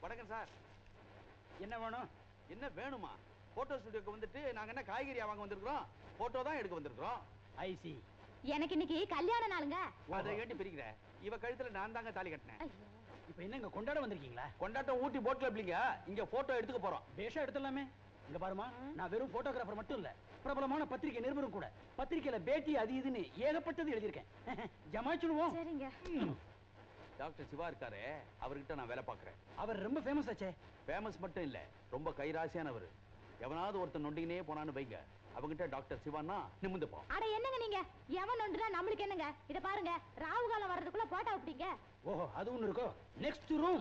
வணக்கம் சார். என்ன வேணும்? என்ன வேணுமா? போட்டோ ஸ்டுடியோக்கு வந்துட்டு நாங்க என்ன காய்கறி வாங்க வந்திருக்கிறோம், போட்டோ தான் எடுக்க வந்திருக்கிறோம். ஐசி. எனக்கு இன்னைக்கு கல்யாண நாளுங்க. அதை ஏண்டி பிரிக்கிற? இவ கழுத்துல நான் தாங்க தாலி கட்டினேன். இப்போ என்ன இங்க கொண்டாட வந்திருக்கீங்களா? கொண்டாட்டம் ஊட்டி போட்ல இல்லைங்க, இங்க போட்டோ எடுத்துக்க போறோம். பேஷா எடுத்துடலாமே. இங்க பாருமா, நான் வெறும் போட்டோகிராஃபர் மட்டும் இல்ல, பிரபலமான பத்திரிகை நிருபரும் கூட. பத்திரிகையில பேட்டி அது இதுன்னு ஏகப்பட்டது எழுதியிருக்கேன். ஜமாச்சிடுவோம். சரிங்க. டாக்டர் சிவா இருக்காரு, அவர்கிட்ட நான் வேலை பார்க்கறேன். அவர் ரொம்ப ஃபேமஸ் ஆச்சே. ஃபேமஸ் மட்டும் இல்ல, ரொம்ப கைராசியானவர். எவனாவது ஒருத்தன் நொண்டினே போனான்னு வைங்க, அவங்கிட்ட டாக்டர் சிவான்னா நிமிந்து போ. அட என்னங்க நீங்க, எவன் நொண்டுனா நம்மளுக்கு என்னங்க? இத பாருங்க, ராவு காலம் வர்றதுக்குள்ள போட்டோ விட்டீங்க. ஓஹோ, அது ஒண்ணு இருக்கோ. Next room.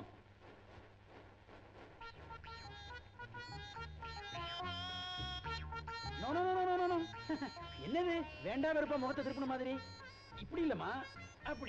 No no no no no. என்னது வேண்டா வெறுப்பா முகத்தை திருப்பின மாதிரி? இப்படி இல்லம்மா, அப்படி.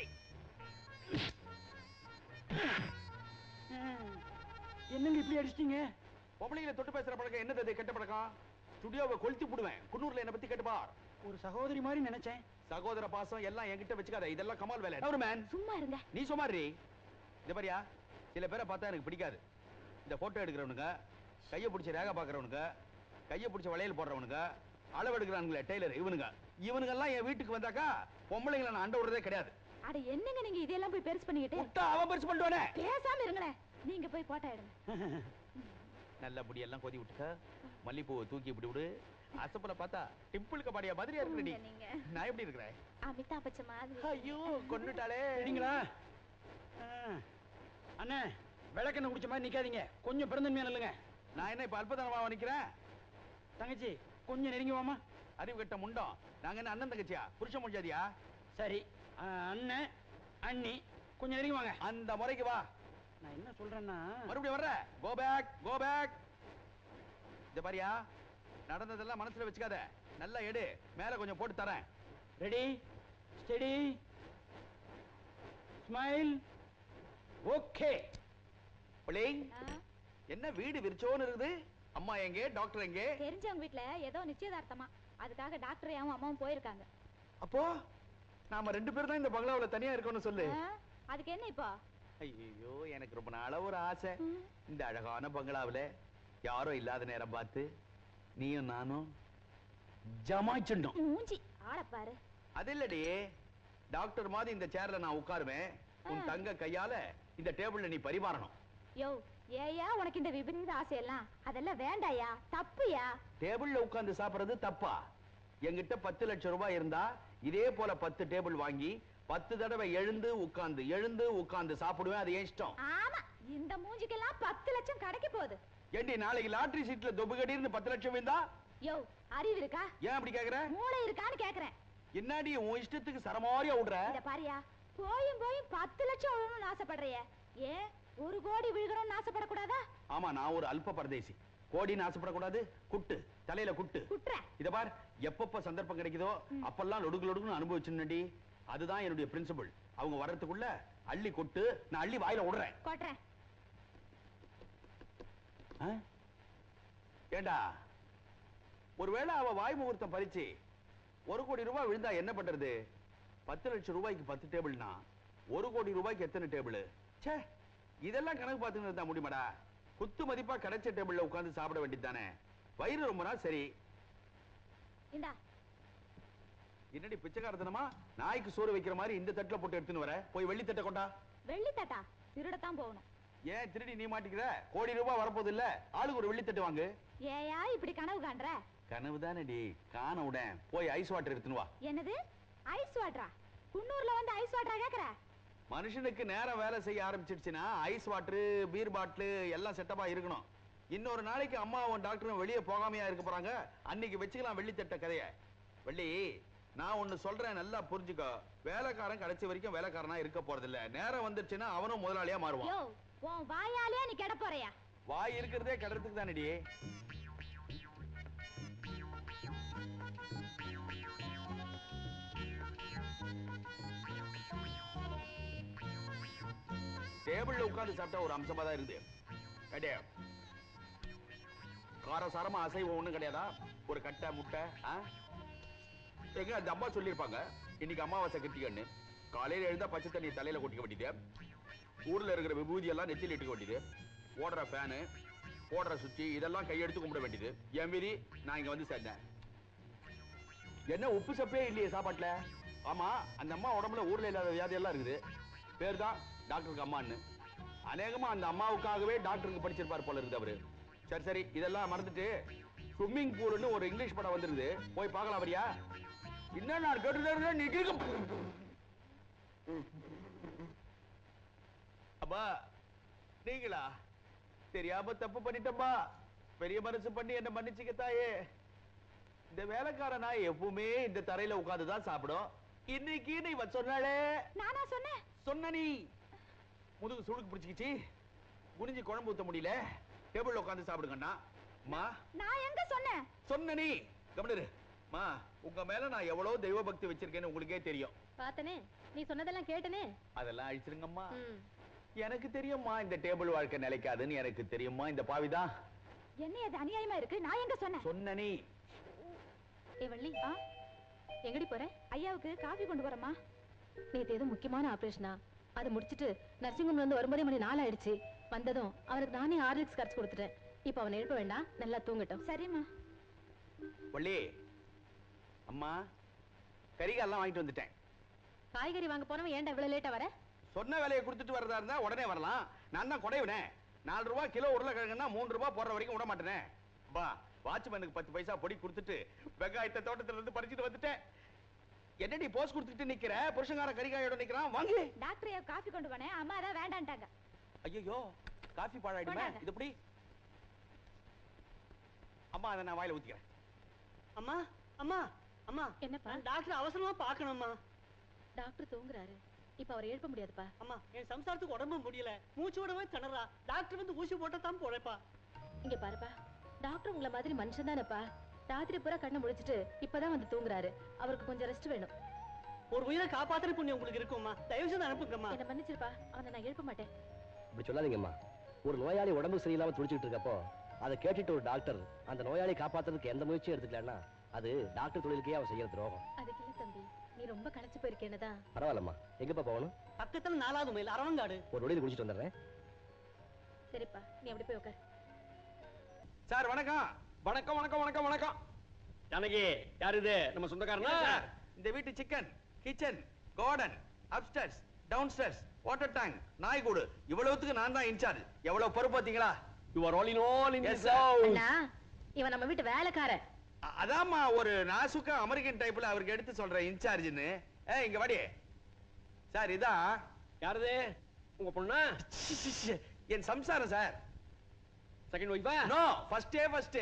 என்னங்க இப்படி அடிச்சிட்டீங்க? பொம்பளைங்களை தொட்டு பேசுற பழக்கம் என்னது? அது கெட்ட பழக்கம். ஸ்டுடியோவை கொளுத்தி போடுவேன். குன்னூர்ல என்ன பத்தி கேட்டு பார். ஒரு சகோதரி மாதிரி நினைச்சேன். சகோதர பாசம் எல்லாம் என்கிட்ட வச்சுக்காத, இதெல்லாம் கமால் வேலை. ஒரு மேன் சும்மா இருங்க. நீ சுமாரி. இந்த பாரியா, சில பேரை பார்த்தா எனக்கு பிடிக்காது. இந்த போட்டோ எடுக்கிறவனுங்க, கையை பிடிச்ச ரேகா பாக்குறவனுங்க, கையை பிடிச்ச வளையல் போடுறவனுங்க, அளவு எடுக்கிறானுங்களே டெய்லர், இவனுங்க எல்லாம் என் வீட்டுக்கு வந்தாக்கா பொம்பளைங்களை நான் அண்ட விடுறதே கிடையாது. அட என்னங்க நீங்க இதெல்லாம் போய் பெருசு பண்ணிக்கிட்டு? அவன் பெருசு பண்ணுவானே. பேசாம இருங்களேன். நீங்க போய் போட்டோ எடுங்க. நல்ல முடியெல்லாம் கொதி விட்டுக்க, மல்லிப்பூவை தூக்கி இப்படி விடு. அசப்பல பார்த்தா டிம்பிள் கபாடியா மாதிரியா இருக்கிறடி. நான் எப்படி இருக்கிறேன்? அமிதா பச்சன் மாதிரி. ஐயோ கொன்னுட்டாளே. சரிங்களா அண்ணே? விளக்கெண்ணெய் குடிச்ச மாதிரி நிக்காதீங்க, கொஞ்சம் பிறந்தன்மையா இல்லைங்க. நான் என்ன இப்ப அல்பதனமா நிக்கிறேன்? தங்கச்சி கொஞ்சம் நெருங்கி வாமா. அறிவு கட்ட முண்டம். நாங்க என்ன அண்ணன் தங்கச்சியா, புருஷ முடிஞ்சாதியா? சரி, அண்ணன் அண்ணி கொஞ்சம் நெருங்கி வாங்க. அந்த முறைக்கு வா. நான் என்ன சொல்றேன்னா, மறுபடியும் வர்ற. Go back, go back. இந்த பாரியா, நடந்ததெல்லாம் மனசுல வச்சுக்காத, நல்லா எடு. மேல கொஞ்சம் போட்டு தரேன். Ready, steady, smile. ஓகே. பிள்ளைங், என்ன வீடு விரிச்சோன்னு இருக்குது? அம்மா எங்கே, டாக்டர் எங்கே? தெரிஞ்சவங்க வீட்ல ஏதோ நிச்சயதார்த்தமா, அதுக்காக டாக்டரையும் அம்மாவும் போயிருக்காங்க. அப்போ நாம 2 பேரும் தான் இந்த பங்களாவுல தனியா இருக்கோம்னு சொல்லு. அதுக்கு என்ன இப்போ? ஐயோ, எனக்கு ரொம்ப நாளா ஒரு ஆசை. இந்த அழகான பங்களாவுல யாரோ இல்லாத நேரம் பார்த்து நீயும் நானும் ஜமாய்ச்சண்டும். மூஞ்சி ஆள பாரு. அது இல்லடி, டாக்டர் மாதிரி இந்த சேர்ல நான் உட்காருவேன். உன் தங்க கையால இந்த டேபிள்ல நீ பரிமாறணும். யோ, ஏயா உனக்கு இந்த விபரீத ஆசையெல்லாம்? அதெல்லாம் வேண்டாயா, தப்புயா. டேபிள்ல உட்கார்ந்து சாப்பிடுறது தப்பா? என்கிட்ட 10 லட்சம் ரூபாய் இருந்தா இதே போல 10 டேபிள் வாங்கி 10 தடவை எழுந்து உட்கார்ந்து சாப்பிடுவேன். அது என் இஷ்டம். ஆமா, இந்த மூஞ்சிக்கெல்லாம் 10 லட்சம் கிடைக்க போகுது. ஏண்டி, நாளைக்கு லாட்டரி சீட்ல தொபுகடின்னு 10 லட்சம் இருந்தா? யோ, அறிவு இருக்கா? ஏன் அப்படி கேக்குற? மூளை இருக்கான்னு கேக்குறேன். என்னடி உன் இஷ்டத்துக்கு சரமாரியா விடுற? இத பாரியா, போயும் 10 லட்சம் விழணும்னு ஆசைப்படுறிய. ஏன் 1 கோடி விழுகணும்னு ஆசைப்படக்கூடாதா? ஆமா, நான் ஒரு அல்ப பரதேசி. கோடின்னு ஆசைப்படக்கூடாது. குட்டு தலையில குட்டு. இத பார், எப்பப்ப சந்தர்ப்பம் கிடைக்குதோ அப்பெல்லாம் லொடுக்கு அனுபவிச்சுடி. அதுதான் என்னுடைய பிரின்சிபல். அவங்க வர்றதுக்குள்ள அள்ளி கொட்டு, நான் அள்ளி வாயில விடுறேன். கொட்றேன். ஏண்டா, ஒருவேளை அவ வாய் முகூர்த்தம் பறிச்சு 1 கோடி ரூபாய் விழுந்தா என்ன பண்றது? 10 லட்சம் ரூபாய்க்கு 10 டேபிள்னா 1 கோடி ரூபாய்க்கு எத்தனை டேபிள்? ச்சே, இதெல்லாம் கணக்கு பார்த்துன்னு இருந்தா முடியுமாடா? குத்து மதிப்பா கிடைச்ச டேபிள்ல உட்கார்ந்து சாப்பிட வேண்டியதானே. வயிறு ரொம்ப நாள் சரி. இந்தா. என்னடி பிச்சைக்காரத்தனமா நாய்க்கு சோறு வைக்கிற மாதிரி இந்த தட்டுல போட்டு எடுத்துன்னு வர? போய் வெள்ளி தட்டை கொண்டா. வெள்ளி தட்டா? திருடத்தான் போகணும். ஏன் திருடி நீ மாட்டிக்கிற? கோடி ரூபாய் வரப்போது இல்ல, ஆளுக்கு ஒரு வெள்ளி தட்டு வாங்கு. ஏயா இப்படி கனவு காண்ற? கனவு தானடி, காண உடன். போய் ஐஸ் வாட்டர் எடுத்துன்னு வா. என்னது ஐஸ் வாட்டரா? குன்னூர்ல வந்து ஐஸ் வாட்டரா கேக்குற? மனுஷனுக்கு நேரம் வேலை செய்ய ஆரம்பிச்சிடுச்சுன்னா ஐஸ் வாட்டர், பீர் பாட்டில் எல்லாம் செட்டப்பா இருக்கணும். இன்னொரு நாளைக்கு அம்மாவும் டாக்டரும் வெளியே போகாமையா இருக்க போறாங்க. அன்னைக்கு வச்சுக்கலாம் வெள்ளித்தட்ட கதைய. வெள்ளி, நான் ஒண்ணு சொல்றேன், நல்லா புரிஞ்சுக்கோ. வேலைக்காரன் கடைசி வரைக்கும் வேலைக்காரனா இருக்க போறது இல்ல. நேரம் வந்துருச்சுன்னா அவனும் முதலாளியா மாறுவான். யோ, உன் வாயாலே நீ கெட போறியா? வாய் இருக்கிறதே கடறதுக்கு தானடி. டேபிள்ல உட்கார்ந்து சாப்பிட்டா ஒரு அம்சமா தான் இருந்து. காரசாரமா அசைவம் ஒண்ணும் கிடையாதா? ஒரு கட்டை முட்டை. எங்க அந்த அம்மா சொல்லிருப்பாங்க, இன்னைக்கு அமாவாசை கிருத்திகன்னு. காலையில எழுந்தா பச்சை தண்ணி தலையில கொட்டிக்க வேண்டியது, ஊர்ல இருக்கிற விபூதி எல்லாம் நெத்தியில் இட்டுக்க வேண்டியது, ஓடுற ஃபேனு, போடுற சுத்தி இதெல்லாம் கையெடுத்து கும்பிட வேண்டியது. என் மீறி நான் இங்க வந்து சேர்ந்தேன். என்ன உப்பு சப்பே இல்லையே சாப்பாட்டுல? ஆமா, அந்த அம்மா உடம்புல ஊர்ல இல்லாத வியாதி எல்லாம் இருக்குது. பேர் தான் டாக்டருக்கு அம்மான்னு. அநேகமா அந்த அம்மாவுக்காகவே டாக்டருக்கு படிச்சிருப்பார் போல இருக்குது அவரு. சரி சரி, இதெல்லாம் மறந்துட்டு ஸ்விம்மிங் பூல்னு ஒரு இங்கிலீஷ் படம் வந்துருது, போய் பார்க்கலாம் வரியா? என்ன நான் கேட்டு நீ அப்பா நீங்களா? தெரியாம தப்பு பண்ணிட்டப்பா. பெரிய மனசு பண்ணி என்ன மன்னிச்சுக்க தாயே. இந்த வேலைக்கார நாய் எப்பவுமே இந்த தரையில உட்கார்ந்துதான் சாப்பிடும். இன்னைக்கு நீ சொன்னாலே நானா சொன்னேன்? சொன்ன நீ முதுகு சுளுக்கு பிடிச்சிக்கிச்சு, குனிஞ்சு குழம்பு ஊத்த முடியல, டேபிள்ல உட்கார்ந்து சாப்பிடுங்கண்ணா. மா நான் எங்க சொன்னேன்? சொன்ன நீ கவனிரு. மா, உங்க மேல நான் எவ்வளவு தெய்வ பக்தி வச்சிருக்கேன்னு உங்களுக்கே தெரியும். பார்த்தனே, நீ சொன்னதெல்லாம் கேட்டனே. அதெல்லாம் அழிச்சிருங்கம்மா. எனக்கு தெரியும்மா இந்த டேபிள் வாழ்க்கை நிலைக்காதுன்னு எனக்கு தெரியுமா. இந்த பாவிதான். என்ன இது அநியாயமா இருக்கு? நான் எங்க சொன்னேன்? சொன்ன நீ. ஏ வள்ளி, எங்கடி போற? ஐயாவுக்கு காபி கொண்டு வரமா? நேத்து ஏதோ முக்கியமான ஆபரேஷனா, அதை முடிச்சிட்டு நர்சிங் ஹோம்ல இருந்து வரும்போதே மணி 4 ஆயிடுச்சு. வந்ததும் அவருக்கு நானே ஹார்லிக்ஸ் கரைச்சு கொடுத்துட்டேன். இப்ப அவனை எழுப்ப வேண்டாம், நல்லா தூங்கட்டும். சரிம்மா. வள்ளி, அம்மா கறிகாலாம் வாங்கிட்டு வந்துட்டேன். காய்கறி வாங்க போனவன் ஏன்டா இவ்வளவு லேட்டா வர? சொன்ன வேலையை கொடுத்துட்டு வரதா இருந்தா உடனே வரலாம். நான் தான் குறைவுனே. 4 ரூபாய் கிலோ உருளைக்கிழங்குன்னா 3 ரூபாய் போடுற வரைக்கும் விட மாட்டேனே. பா, வாட்ச்மேனுக்கு 10 பைசா பொடி கொடுத்துட்டு வெங்காயத்தை தோட்டத்துல இருந்து பறிச்சுட்டு வந்துட்டேன். என்னடி போஸ் கொடுத்துட்டு நிக்கிற? புருஷங்கார கறிகாயோட நிக்கிறான். வாங்க. டாக்டர் ஐயா காபி கொண்டு போனேன், அம்மா தான் வேண்டான்ட்டாங்க. ஐயோ, காபி பாழாயிடுமே. இது எப்படி? அம்மா, அதை நான் வாயில ஊத்திக்கிறேன். அம்மா அம்மா அம்மா, என்னப்பா? டாக்டர் அவசரமா பார்க்கணும்மா. டாக்டர் தூங்குறாரு, இப்ப அவரை எழுப்ப முடியாதுப்பா. அம்மா, என் சம்சாரத்துக்கு உடம்பு முடியல, மூச்சு விடவே திணறா. டாக்டர் வந்து ஊசி போட்டா தான் போறேப்பா. இங்க பாருப்பா, டாக்டர் உங்களை மாதிரி மனுஷன் தானேப்பா. ராத்திரி பூரா கண்ணை முடிச்சிட்டு இப்பதான் வந்து தூங்குறாரு. அவருக்கு கொஞ்சம் ரெஸ்ட் வேணும். ஒரு உயிரை காப்பாத்துற புண்ணியம் உங்களுக்கு இருக்கும்மா. தயவு செய்து அனுப்புங்கம்மா. என்ன மன்னிச்சிருப்பா, அவனை நான் எழுப்ப மாட்டேன். இப்படி சொல்லாதீங்கம்மா. ஒரு நோயாளி உடம்பு சரியில்லாம துடிச்சிட்டு இருக்கப்போ அதை கேட்டுட்டு ஒரு டாக்டர் அந்த நோயாளி காப்பாத்துறதுக்கு எந்த முயற்சியும் எடுத்துக்கலன்னா அது டாக்டர் தொழிலுக்கே அவன் செய்யற துரோகம். அதுக்கு இல்ல தம்பி, நீ ரொம்ப களைச்சு போயிருக்கேன்னுதான். பரவாயில்லம்மா, எங்கப்பா போகணும்? பக்கத்துல 4வது மைல் அரவங்காடு. ஒரு நொடியில் குடிச்சிட்டு வந்துடுறேன். சரிப்பா, நீ அப்படி போய் உட்கார். சார் வணக்கம். வணக்கம் வணக்கம் வணக்கம் வணக்கம். ஜானகி, யார் இது? நம்ம சொந்தக்காரனா? சார், இந்த வீட்டு chicken, kitchen, garden, upstairs, downstairs, water tank, நாய்கூடு இவ்வளவுத்துக்கு நான் தான் இன்சார்ஜ். எவ்வளவு பொறுப்பு பாத்தீங்களா? You are all in all in Yes, this sir. house. அண்ணா, இவன் நம்ம வீட்டு வேலைக்காரன். அதாம்மா ஒரு நாசுக்கா அமெரிக்கன் டைப்ல அவருக்கு எடுத்து சொல்றேன் இன்சார்ஜ்னு. இங்க வாடி. சார் இதான். யாரது? உங்க பொண்ணா? என் சம்சாரம் சார். செகண்ட் ஒய்ஃபா? No, first day first.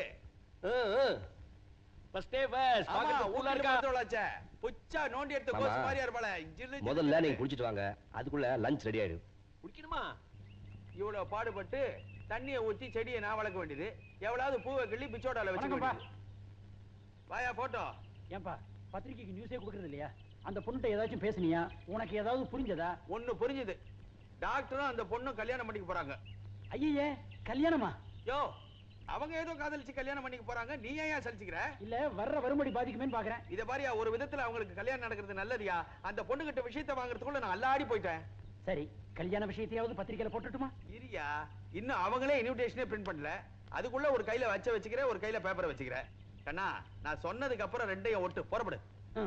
First day first. ஆமா, பாக்கறது ஊர்ல கூலா இருக்கா? இருக்கா? புச்சா நோண்டி எடுத்து மாமா, கோஸ் மாதிரியா இருப்பாளே. முதல்ல நீங்க குடிச்சிட்டு வாங்க, அதுக்குள்ள லஞ்ச் ரெடி ஆயிடும். குடிக்கணுமா? இவ்வளவு பாடுபட்டு தண்ணியை ஊத்தி செடியை நான் வளர்க்க வேண்டியது. எவ்வளவு பூவை கிள்ளி பிச்சோடால வச்சு வணக்கம்ப்பா. வாயா போட்டோ. ஏன்பா பத்திரிக்கைக்கு நியூஸே கொடுக்கறது இல்லையா? அந்த பொண்ணுட்ட ஏதாச்சும் பேசுனியா? உனக்கு ஏதாவது புரிஞ்சதா? ஒண்ணு புரிஞ்சுது. டாக்டரும் அந்த பொண்ணும் கல்யாணம் பண்ணிக்க போறாங்க. ஐயே, கல்யாணமா? யோ, அவங்க ஏதோ காதலிச்சு கல்யாணம் பண்ணிக்க போறாங்க. நீ ஏன் சலிச்சுக்கிற? இல்ல வர்ற வரும்படி பாதிக்குமேன்னு பாக்குறேன். இத பாரியா, ஒரு விதத்துல அவங்களுக்கு கல்யாணம் நடக்கிறது நல்லதுயா. அந்த பொண்ணு கிட்ட விஷயத்தை வாங்குறதுக்குள்ள நான் அல்லாடி போயிட்டேன். சரி, கல்யாண விஷயத்தையாவது பத்திரிக்கையில போட்டுட்டுமா? இரியா, இன்னும் அவங்களே இன்விடேஷனே பிரிண்ட் பண்ணல. அதுக்குள்ள ஒரு கையில வச்சுக்கிறேன், ஒரு கையில பேப்பரை வச்சுக்கிறேன். கண்ணா, நான் சொன்னதுக்கு அப்புறம் ரெண்டையும் ஒட்டு புறப்படு.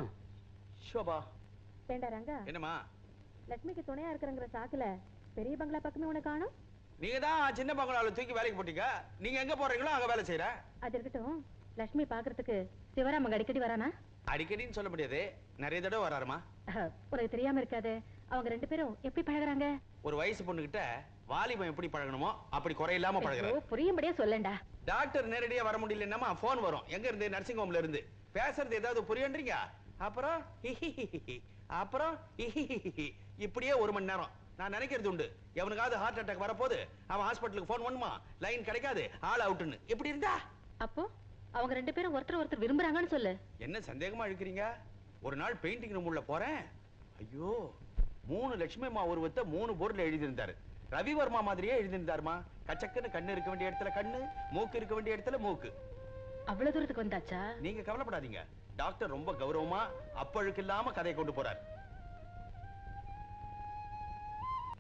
ஷோபா. வேண்டா ரங்கா, என்னம்மா? லட்சுமிக்கு துணையா இருக்கிறங்கிற சாக்குல பெரிய பங்களா பக்கமே உனக்கு காணும். நீங்க தான் சின்ன பங்களால தூக்கி வேலைக்கு போட்டீங்க. நீங்க எங்க போறீங்களோ அங்க வேலை செய்யற. அது இருக்கட்டும், லட்சுமி பாக்குறதுக்கு சிவராமங்க அடிக்கடி வரானா? அடிக்கடின்னு சொல்ல முடியாது, நிறைய தடவை வராருமா. உனக்கு தெரியாம இருக்காது, அவங்க 2 பேரும் எப்படி பழகுறாங்க? ஒரு வயசு பொண்ணுகிட்ட வாலிபம் எப்படி பழகணுமோ அப்படி குறையில்லாம பழகுறாரு. புரியும்படியா சொல்லண்டா. டாக்டர் நேரடியா வர முடியலன்னா போன் வரும். எங்க இருந்து? நர்சிங் ஹோம்ல இருந்து. பேசுறது ஏதாவது புரியன்றீங்க? அப்புறம் அப்புறம் இப்படியே 1 மணி நேரம். நான் நினைக்கிறது உண்டு, எவனுக்காவது ஹார்ட் அட்டாக் வரப்போது அவன் ஹாஸ்பிட்டலுக்கு போன் பண்ணுமா, லைன் கிடைக்காது, ஆள் அவுட்னு. எப்படி இருந்தா? அப்போ அவங்க 2 பேரும் ஒருத்தர் விரும்புறாங்கன்னு சொல்லு. என்ன சந்தேகமா இருக்கிறீங்க? ஒரு நாள் பெயிண்டிங் ரூம் உள்ள போறேன். ஐயோ, 3 லட்சுமி அம்மா உருவத்தை 3 போர்டுல எழுதியிருந்தாரு. ரவிவர்மா மாதிரியே எழுதியிருந்தாருமா. கச்சக்குன்னு கண்ணு இருக்க வேண்டிய இடத்துல கண்ணு, மூக்கு இருக்க வேண்டிய இடத்துல மூக்கு. அவ்வளவு தூரத்துக்கு வந்தாச்சா? நீங்க கவலைப்படாதீங்க, டாக்டர் ரொம்ப கௌரவமா அப்பழுக்கு இல்லாம கதையை கொண்டு போறார்.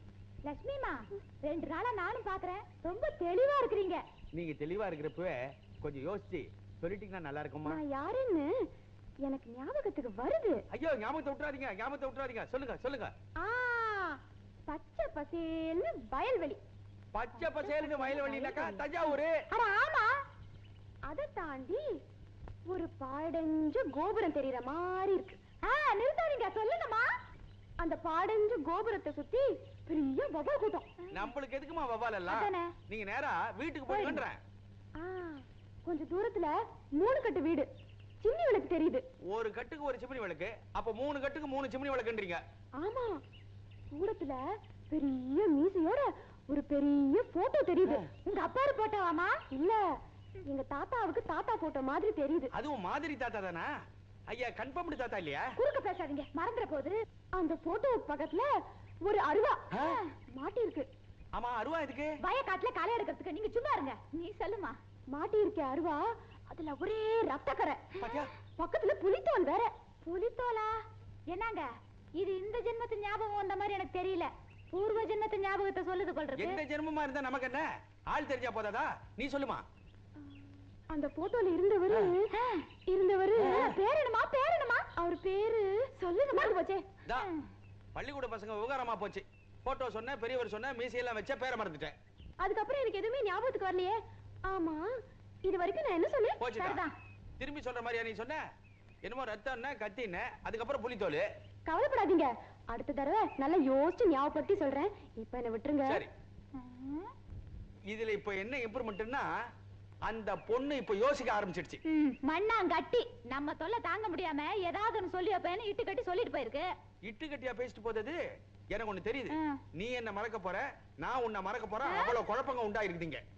லட்சுமிமா 2 நாளா நானும் பாக்குறேன் ரொம்ப தெளிவா இருக்கிறீங்க. நீங்க தெளிவா இருக்கிறப்பவே கொஞ்சம் யோசிச்சு சொல்லிட்டீங்கன்னா நல்லா இருக்குமா? நான் யாருன்னு எனக்கு ஞாபகத்துக்கு வருது. ஐயோ ஞாபகத்தை விட்டுறாதீங்க. சொல்லுங்க. பச்சை பசேல்னு வயல்வெளி. பச்சை பசேலுக்கு வயல்வெளினாக்கா தஞ்சாவூர். அட ஆமா. அத தாண்டி ஒரு பாடஞ்ச கோபுரம் தெரியற மாதிரி இருக்கு. நிறுத்தாதீங்க, சொல்லுங்கம்மா. அந்த பாடஞ்ச கோபுரத்தை சுத்தி பெரிய வவால் கூட்டம். நம்மளுக்கு எதுக்குமா வவால் எல்லாம்? அதானே. நீங்க நேரா வீட்டுக்கு போயிடுங்கன்றேன். கொஞ்ச தூரத்துல 3 கட்டு வீடு, சிம்னி விளக்கு தெரியுது. ஒரு கட்டுக்கு ஒரு சிம்னி விளக்கு, அப்ப 3 கட்டுக்கு 3 சிம்னி விளக்குன்றீங்க. ஆமா, தூரத்துல பெரிய மீசையோட ஒரு பெரிய போட்டோ தெரியுது. உங்க அப்பாரு போட்டோவாமா? இல்ல, எங்க தாத்தாவுக்கு தாத்தா போட்டோ மாதிரி தெரியுது. அதுவும் மாதிரி தாத்தா தானா? ஐயா கன்ஃபார்ம்டு தாத்தா இல்லையா? குறுக்க பேசாதீங்க, மறந்துற போது. அந்த போட்டோ பக்கத்துல ஒரு அருவா மாட்டி இருக்கு. ஆமா, அருவா எதுக்கு? வயக்காட்டுல களை எடுக்கிறதுக்கு. நீங்க சும்மா இருங்க, நீ சொல்லுமா. மாட்டி இருக்க அருவா, அதுல ஒரே ரத்தக்கரை. பக்கத்துல புலித்தோல் வேற. புலித்தோலா? என்னங்க இது? இந்த ஜென்மத்து ஞாபகம் வந்த மாதிரி எனக்கு தெரியல. பூர்வ ஜென்மத்து ஞாபகத்தை சொல்லுது கொள்றது. எந்த ஜென்மமா இருந்தா நமக்கு என்ன? ஆள் தெரிஞ்சா போதாதா? நீ சொல்லுமா. அந்த போட்டோல இருந்தவரு பேர் என்னமா? அவர் பேரு சொல்லுங்க. மறந்து போச்சே. பள்ளிக்கூட பசங்க விவகாரமா போச்சு. போட்டோ சொன்ன, பெரியவர் சொன்ன, மீசையெல்லாம் வச்ச, பேரை மறந்துட்டேன். அதுக்கப்புறம் எனக்கு எதுவுமே ஞாபகத்துக்கு வரலையே. ஆமா, இது வரைக்கும் நான் என்ன சொன்னேன்? போச்சுதான். திரும்பி சொல்ற மாதிரியா நீ சொன்ன? என்னமோ ரத்தம்னா கத்தின, அதுக்கப்புறம் புலித்தோல். கவலைப்படாதீங்க, அடுத்த தடவை நல்லா யோசிச்சு ஞாபகப்படுத்தி சொல்றேன். இப்ப என்ன விட்டுருங்க. சரி. இதுல இப்ப என்ன இம்ப்ரூவ்மெண்ட்னா, அந்த பொண்ணு இப்ப யோசிக்க ஆரம்பிச்சிடுச்சு. மண்ணாங்கட்டி நம்ம தொல்லை தாங்க முடியாம ஏதாவது ஒன்னு சொல்லி வைப்பேன்னு இட்டு கட்டி சொல்லிட்டு போயிருக்கு. இட்டு கட்டியா பேசிட்டு போதது எனக்கு ஒண்ணு தெரியுது. நீ என்ன மறக்க போற, நான் உன்னை மறக்க போறேன். அவ்வளவு குழப்பங்க உண்டாயிருக்குதுங்க.